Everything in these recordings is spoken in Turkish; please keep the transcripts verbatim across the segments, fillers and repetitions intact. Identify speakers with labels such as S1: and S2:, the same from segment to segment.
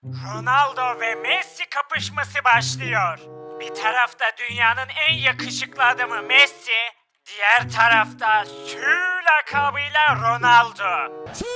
S1: Ronaldo ve Messi kapışması başlıyor. Bir tarafta dünyanın en yakışıklı adamı Messi, diğer tarafta Sü lakabıyla Ronaldo.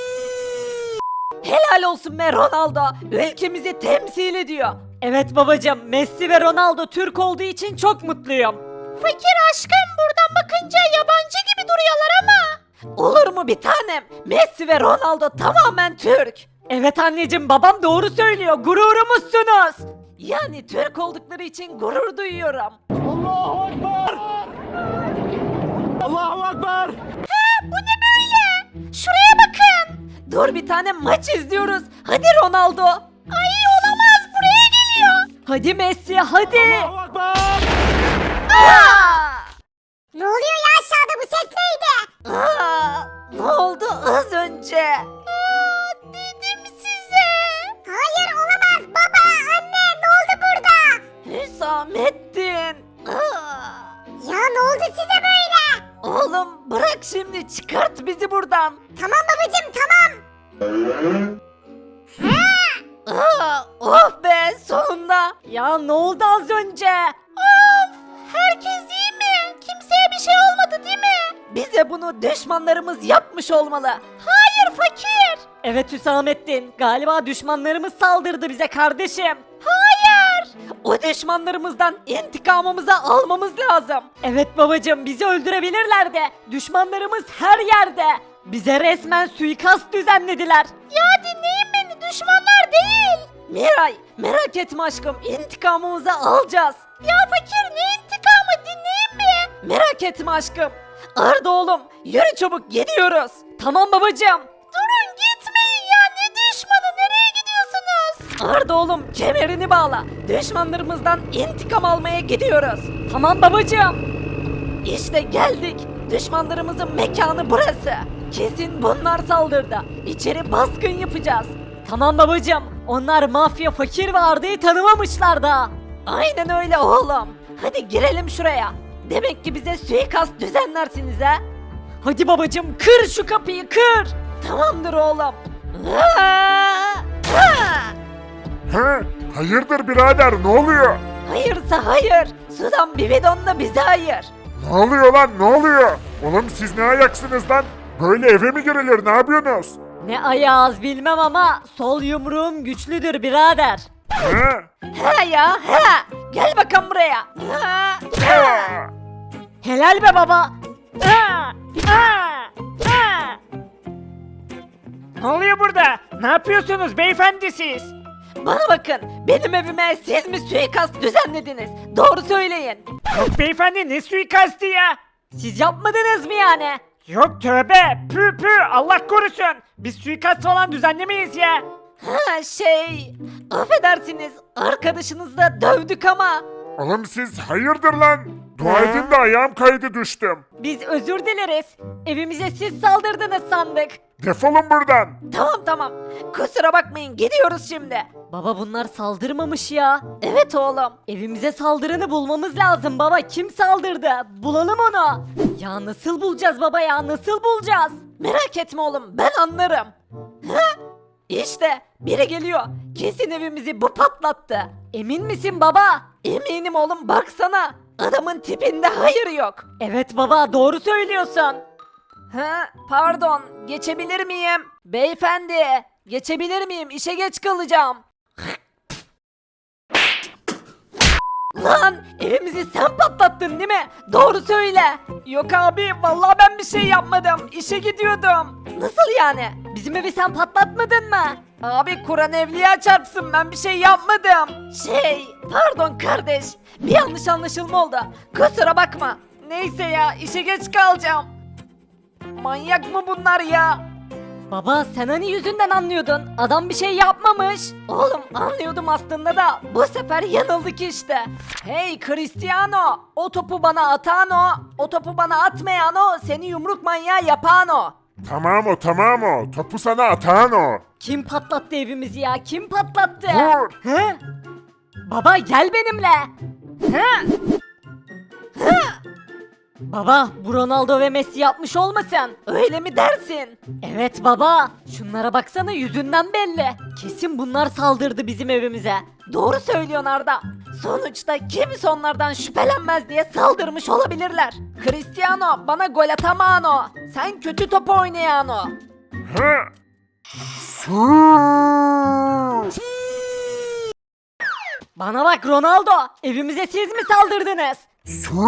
S2: Helal olsun be Ronaldo. Ülkemizi temsil ediyor. Evet babacığım, Messi ve Ronaldo Türk olduğu için çok mutluyum. Fakir aşkım, buradan bakınca yabancı gibi duruyorlar ama. Olur mu bir tanem? Messi ve Ronaldo tamamen Türk. Evet anneciğim, babam doğru söylüyor. Gururumuzsunuz. Yani Türk oldukları için gurur duyuyorum.
S3: Allahu Ekber! Allahu Ekber!
S2: Bu ne böyle? Şuraya bakın. Dur bir tane maç izliyoruz. Hadi Ronaldo. Ay olamaz, buraya geliyor. Hadi Messi hadi.
S3: Allahu Ekber!
S2: Aa!
S4: Ne oluyor ya aşağıda, bu ses neydi?
S2: Aa! Ne oldu az önce? Dedim size.
S4: Hayır olamaz, baba, anne, ne oldu burada?
S2: Hüsamettin. Aa!
S4: Ya ne oldu size böyle?
S2: Oğlum bırak şimdi, çıkart bizi buradan.
S4: Tamam babacım, tamam.
S2: Aa, oh be sonunda. Ya ne oldu az önce? Of, herkes iyi mi? Kimseye bir şey olmadı değil mi? Bize bunu düşmanlarımız yapmış olmalı. Hayır fakir. Evet Hüsamettin, galiba düşmanlarımız saldırdı bize kardeşim. Hayır. O düşmanlarımızdan intikamımızı almamız lazım. Evet babacığım, bizi öldürebilirler de düşmanlarımız her yerde. Bize resmen suikast düzenlediler. Ya dinleyin beni, düşmanlar değil. Miray, merak etme aşkım, intikamımızı alacağız. Ya fakir, ne intikamı, dinleyin mi? Merak etme aşkım. Arda oğlum, yürü çabuk, gidiyoruz. Tamam babacığım. Durun, gitmeyin ya, ne düşmanı, nereye gidiyorsunuz? Arda oğlum, kemerini bağla. Düşmanlarımızdan intikam almaya gidiyoruz. Tamam babacığım. İşte geldik. Düşmanlarımızın mekanı burası. Kesin bunlar saldırdı. İçeri baskın yapacağız. Tamam babacığım. Onlar mafya, fakir ve Arda'yı tanımamışlar da. Aynen öyle oğlum. Hadi girelim şuraya. Demek ki bize suikast düzenlersiniz ha. Hadi babacığım, kır şu kapıyı, kır. Tamamdır oğlum. Aa! Aa!
S3: He? Hayırdır birader, ne oluyor?
S2: Hayırsa hayır. Sudan bir bidon da bize hayır.
S3: Ne oluyor lan, ne oluyor? Oğlum siz ne ayaksınız lan? Böyle eve mi girilir, ne yapıyorsunuz?
S2: Ne ayağız bilmem ama sol yumruğum güçlüdür birader.
S3: He?
S2: He ya he. Gel bakalım buraya. Ha, ha.
S3: Aa!
S2: Helal be baba. Ha, ha, ha.
S1: Ne oluyor burada? Ne yapıyorsunuz beyefendi siz?
S2: Bana bakın, benim evime siz mi suikast düzenlediniz? Doğru söyleyin.
S1: Yok beyefendi, ne suikastı ya?
S2: Siz yapmadınız mı yani?
S1: Yok tövbe, pü pü, Allah korusun. Biz suikast falan düzenlemeyiz ya.
S2: Ha şey, affedersiniz, arkadaşınızla dövdük ama.
S3: Oğlum siz hayırdır lan? Dua edin de ayağım kaydı, düştüm.
S2: Biz özür dileriz. Evimize siz saldırdınız sandık.
S3: Defolun buradan.
S2: Tamam tamam. Kusura bakmayın, gidiyoruz şimdi. Baba bunlar saldırmamış ya. Evet oğlum. Evimize saldıranı bulmamız lazım baba. Kim saldırdı? Bulalım onu. Ya nasıl bulacağız baba ya? Nasıl bulacağız? Merak etme oğlum, ben anlarım. Ha? İşte biri geliyor. Kesin evimizi bu patlattı. Emin misin baba? Eminim oğlum, baksana. Adamın tipinde hayır yok. Evet baba, doğru söylüyorsun. Ha, pardon, geçebilir miyim? Beyefendi, geçebilir miyim? İşe geç kalacağım. Lan, evimizi sen patlattın değil mi? Doğru söyle. Yok abi, vallahi ben bir şey yapmadım. İşe gidiyordum. Nasıl yani? Bizim evi sen patlatmadın mı? Abi Kur'an evliya çarpsın, ben bir şey yapmadım. Şey, pardon kardeş. Bir yanlış anlaşılma oldu. Kusura bakma. Neyse ya, işe geç kalacağım. Manyak mı bunlar ya? Baba sen hani yüzünden anlıyordun. Adam bir şey yapmamış. Oğlum anlıyordum aslında da bu sefer yanıldık işte. Hey Cristiano, o topu bana atan o, o topu bana atmayan o, seni yumruk manyağı yapan o.
S3: Tamam o, tamam o. Topu sana atan o.
S2: Kim patlattı evimizi ya? Kim patlattı?
S3: Dur.
S2: He? Baba gel benimle. He? He? Baba bu Ronaldo ve Messi yapmış olmasın? Öyle mi dersin? Evet baba. Şunlara baksana yüzünden belli. Kesin bunlar saldırdı bizim evimize. Doğru söylüyorsun Arda. Sonuçta kimse onlardan şüphelenmez diye saldırmış olabilirler. Cristiano bana gol atamano. Sen kötü top oynayano.
S3: He? Su.
S2: Bana bak Ronaldo. Evimize siz mi saldırdınız?
S3: Su.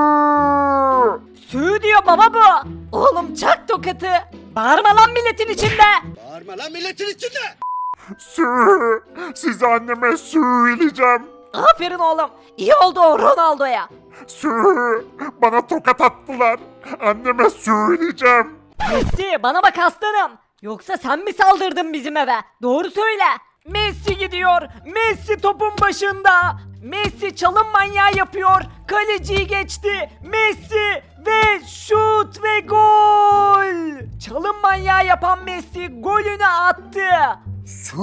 S2: Sü diyor baba bu. Oğlum çak tokatı. Bağırma lan milletin içinde.
S5: Bağırma lan milletin içinde!
S3: Su. Size anneme söyleyeceğim.
S2: Aferin oğlum. İyi oldu o Ronaldo'ya.
S3: Su. Bana tokat attılar. Anneme söyleyeceğim.
S2: Messi bana bak aslanım. Yoksa sen mi saldırdın bizim eve? Doğru söyle. Messi gidiyor. Messi topun başında. Messi çalım manyağı yapıyor. Kaleciyi geçti. Messi ve şut ve gol. Çalım manyağı yapan Messi golünü attı.
S3: Su.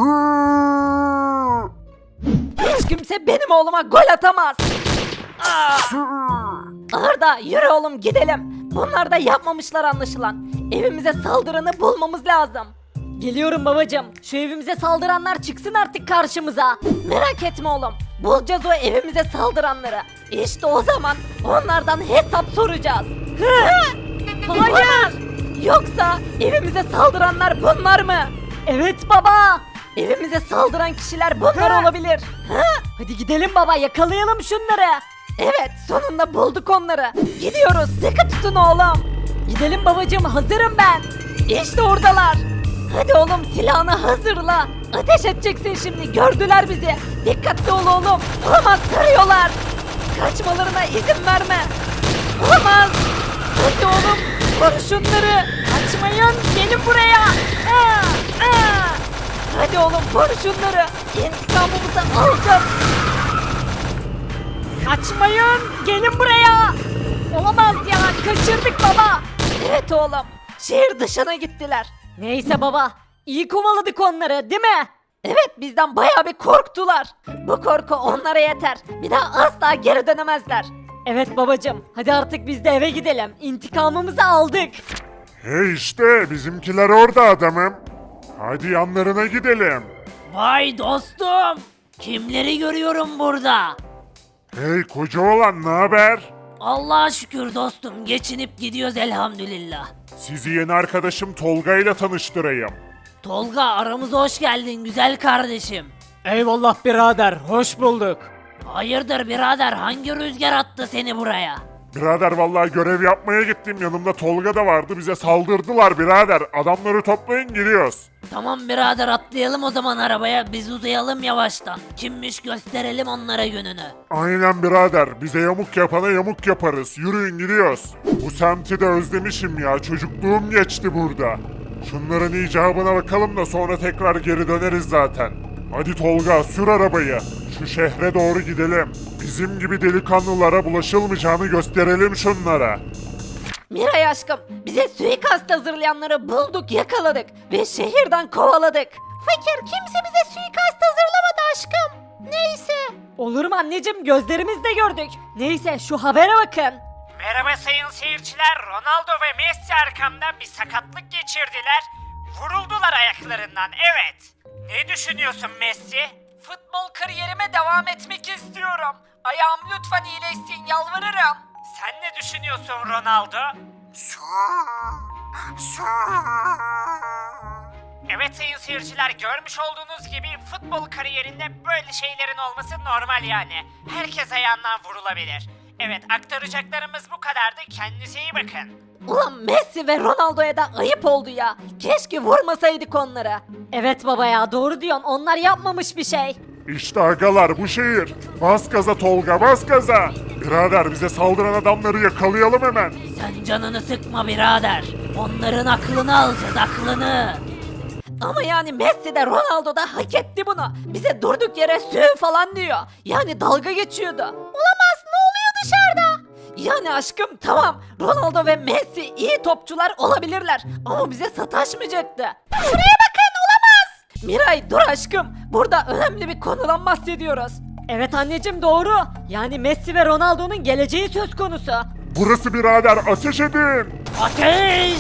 S2: Hiç kimse benim oğluma gol atamaz.
S3: Su.
S2: Arda yürü oğlum gidelim. Bunlar da yapmamışlar anlaşılan. Evimize saldıranı bulmamız lazım. Geliyorum babacım. Şu evimize saldıranlar çıksın artık karşımıza. Merak etme oğlum. Bulacağız o evimize saldıranları. İşte o zaman onlardan hesap soracağız. Hayır. Yoksa evimize saldıranlar bunlar mı? Evet baba. Evimize saldıran kişiler bunlar olabilir. Hadi gidelim baba yakalayalım şunları. Evet sonunda bulduk onları. Gidiyoruz sıkı tutun oğlum. Gidelim babacığım hazırım ben. İşte oradalar. Hadi oğlum silahını hazırla. Ateş edeceksin şimdi gördüler bizi. Dikkatli ol oğlum. Olamaz tarıyorlar. Kaçmalarına izin verme. Olamaz. Hadi oğlum vur şunları. Kaçmayın gelin buraya. Aa, aa. Hadi oğlum vur şunları. İntikamımızı alacağız. Kaçmayın! Gelin buraya! Olamaz ya! Kaçırdık baba! Evet oğlum. Şehir dışına gittiler. Neyse baba. İyi kovaladık onları değil mi? Evet bizden bayağı bir korktular. Bu korku onlara yeter. Bir daha asla geri dönemezler. Evet babacım. Hadi artık biz de eve gidelim. İntikamımızı aldık.
S3: Hey işte bizimkiler orada adamım. Hadi yanlarına gidelim.
S2: Vay dostum. Kimleri görüyorum burada?
S3: Hey koca oğlan ne haber?
S2: Allah'a şükür dostum. Geçinip gidiyoruz elhamdülillah.
S3: Sizi yeni arkadaşım Tolga ile tanıştırayım.
S2: Tolga aramıza hoş geldin güzel kardeşim.
S1: Eyvallah birader, hoş bulduk.
S2: Hayırdır birader hangi rüzgar attı seni buraya?
S3: Birader vallahi görev yapmaya gittim yanımda Tolga da vardı bize saldırdılar birader. Adamları toplayın gidiyoruz.
S2: Tamam birader atlayalım o zaman arabaya biz uzayalım yavaştan. Kimmiş gösterelim onlara gününü.
S3: Aynen birader bize yamuk yapana yamuk yaparız. Yürüyün gidiyoruz. Bu semti de özlemişim ya çocukluğum geçti burada. Şunların icabına bakalım da sonra tekrar geri döneriz zaten. Hadi Tolga sür arabayı. Şu şehre doğru gidelim. Bizim gibi delikanlılara bulaşılmayacağını gösterelim şunlara.
S2: Miray aşkım bize suikast hazırlayanları bulduk yakaladık ve şehirden kovaladık. Fakir kimse bize suikast hazırlamadı aşkım. Neyse. Olur mu anneciğim gözlerimizle gördük. Neyse şu habere bakın.
S1: Merhaba sayın seyirciler, Ronaldo ve Messi arkamdan bir sakatlık geçirdiler. Vuruldular ayaklarından, evet. Ne düşünüyorsun Messi?
S2: Futbol kariyerime devam etmek istiyorum. Ayağım lütfen iyileşsin yalvarırım.
S1: Sen ne düşünüyorsun Ronaldo? Evet sayın seyirciler, görmüş olduğunuz gibi futbol kariyerinde böyle şeylerin olması normal yani. Herkes ayağından vurulabilir. Evet aktaracaklarımız bu kadardı, kendinize iyi bakın.
S2: Ulan Messi ve Ronaldo'ya da ayıp oldu ya. Keşke vurmasaydık onları. Evet baba ya doğru diyorsun. Onlar yapmamış bir şey.
S3: İşte agalar bu şehir. Bas gaza Tolga bas gaza. Birader bize saldıran adamları yakalayalım hemen.
S2: Sen canını sıkma birader. Onların aklını alacağız aklını. Ama yani Messi de Ronaldo da hak etti bunu. Bize durduk yere sü falan diyor. Yani dalga geçiyordu. Olamaz ne oluyor dışarıda? Yani aşkım tamam Ronaldo ve Messi iyi topçular olabilirler. Ama bize sataşmayacaktı. Şuraya bakın olamaz. Miray dur aşkım. Burada önemli bir konudan bahsediyoruz. Evet anneciğim doğru. Yani Messi ve Ronaldo'nun geleceği söz konusu.
S3: Burası birader, ateş edin.
S2: Ateş!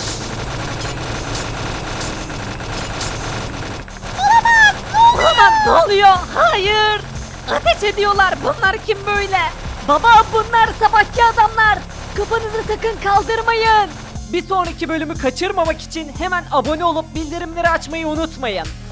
S2: Olamaz, ne oluyor? Hayır! Ateş ediyorlar, bunlar kim böyle? Baba, bunlar sabahki adamlar! Kafanızı sakın kaldırmayın! Bir sonraki bölümü kaçırmamak için hemen abone olup bildirimleri açmayı unutmayın.